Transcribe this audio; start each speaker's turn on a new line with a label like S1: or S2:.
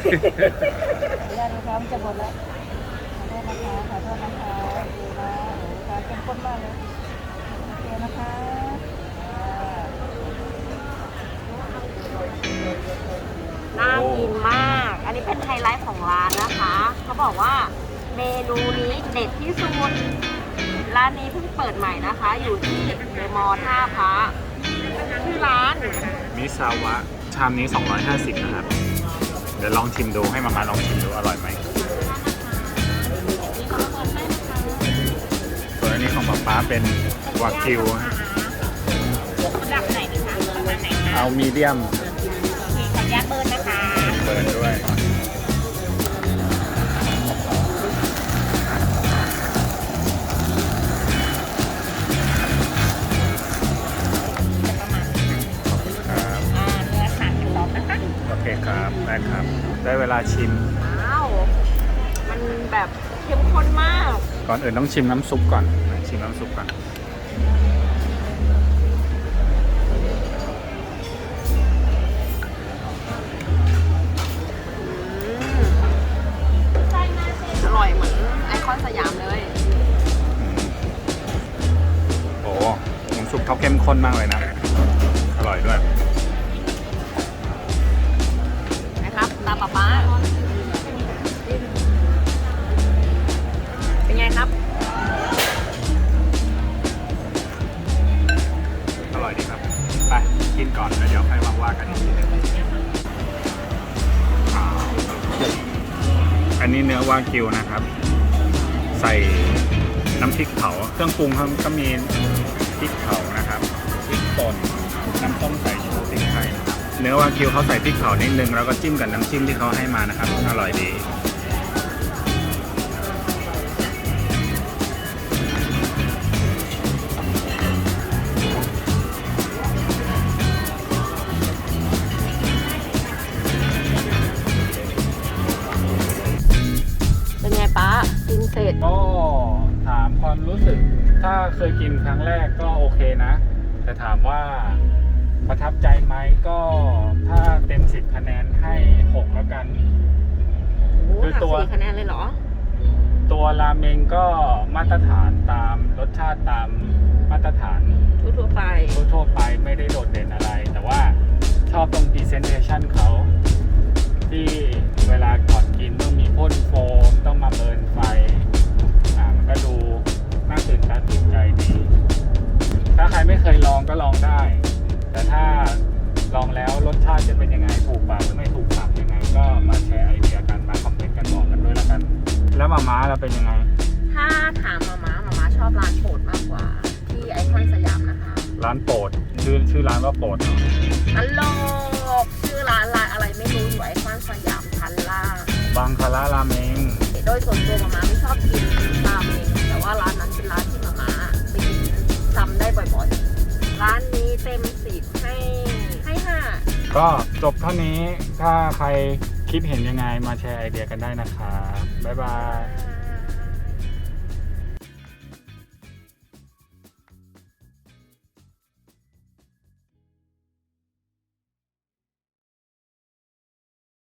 S1: ญาติลูกค้าจะหมดแล้วขอโทษนะคะดูนะลูกค้าเข้มข้นมากเลยโอเคนะคะ
S2: น่ากินมาก อันนี้เป็นไฮไลท์ของร้านนะคะเขาบอกว่าเมนูนี้เด็ดที่สุดร้านนี้เพิ่งเปิดใหม่นะคะ อยู่ที่เดอะมอลล์ท่าพระชื่อร้าน
S3: มิซาวะชามนี้250นะครับเดี๋ยวลองชิมดูให้มาลองชิมดูอร่อยไหมส่วนอันนี้ของป๊าเป็นวากิว
S2: ระดับไหนดีคะประมาณไหนคะ
S3: เอามีเดียม
S2: ขออนุญาตเบิร์นนะคะ
S3: เบิร์นด้วยโอเคครับได้ครับได้เวลาชิม
S2: ว้าวมันแบบเข้มข้นมาก
S3: ก่อนอื่นต้องชิมน้ำซุปก่อนชิมน้ำซุปก่อน
S2: อร่อยเหมือนไอคอนสยามเลย
S3: โอ้น้ำซุปเขาเข้มข้นมากเลยนะอร่อยด้วย
S2: ตาป๊าเป็นไงครับ
S3: อร่อยดีครับไปกินก่อนแล้วเดี๋ยวค่อยมาว่ากันอีกทีนึงอันนี้เนื้อวากิวนะครับใส่น้ำพริกเผาเครื่องปรุงก็มีพริกเผานะครับพริกป่นน้ำส้มสายชูพริกไทยเนื้อวากิวเขาใส่พริกเผานิดนึงแล้วก็จิ้มกับน้ำจิ้มที่เขาให้มานะครับอร่อยดี
S2: เป็นไงป๊ากินเสร็จ
S3: ก็ถามความรู้สึกถ้าเคยกินครั้งแรกก็โอเคนะแต่ถามว่าประทับใจไหมก็ถ้าเต็ม10คะแนนให้6แล้วกัน
S2: คือตัว4คะแนนเลยเหรอ
S3: ตัวราเมงก็มาตรฐานตามรสชาติตามมาตรฐาน
S2: ทั่ว
S3: ไปไม่ได้โดดเด่นอะไรแต่ว่าชอบตรง presentation เขาที่เวลาก่อนกินต้องมีพ่นโฟมต้องมาเบิร์นไฟมันก็ดูน่าตื่นตาตื่นใจดีถ้าใครไม่เคยลองก็ลองได้แต่ถ้าลองแล้วรสชาติจะเป็นยังไงถูกปากหรือไม่ถูกปากยังไงก็มาแชร์ไอเดียกันมาคอมเมนต์กันบอกกันด้วยแล้วกันแล้วมาม่าเราเป็นยังไง
S2: ถ้าถามมาม่าชอบร้านโปรดมากกว่าที่ไอคอนสยามนะคะ
S3: ร้านโปรดชื่อร้านว่าโปรดเนาะ
S2: ตลกชื่อร้านอะไรไม่รู้อยู่ไอคอนสยามชั้นล่าง
S3: บางคาราราเมง
S2: โดยส่วนตัวมาม่าไม่ชอบกินราเมงแต่ว่าร้านนั้นเป็นร้านที่มาม่าไปกินซ้ำได้บ่อยๆร้านนี้เต็ม10ให้5
S3: ก็จบเท่านี้ถ้าใครคิดเห็นยังไงมาแชร์ไอเดียกันได้นะคะบ๊ายบาย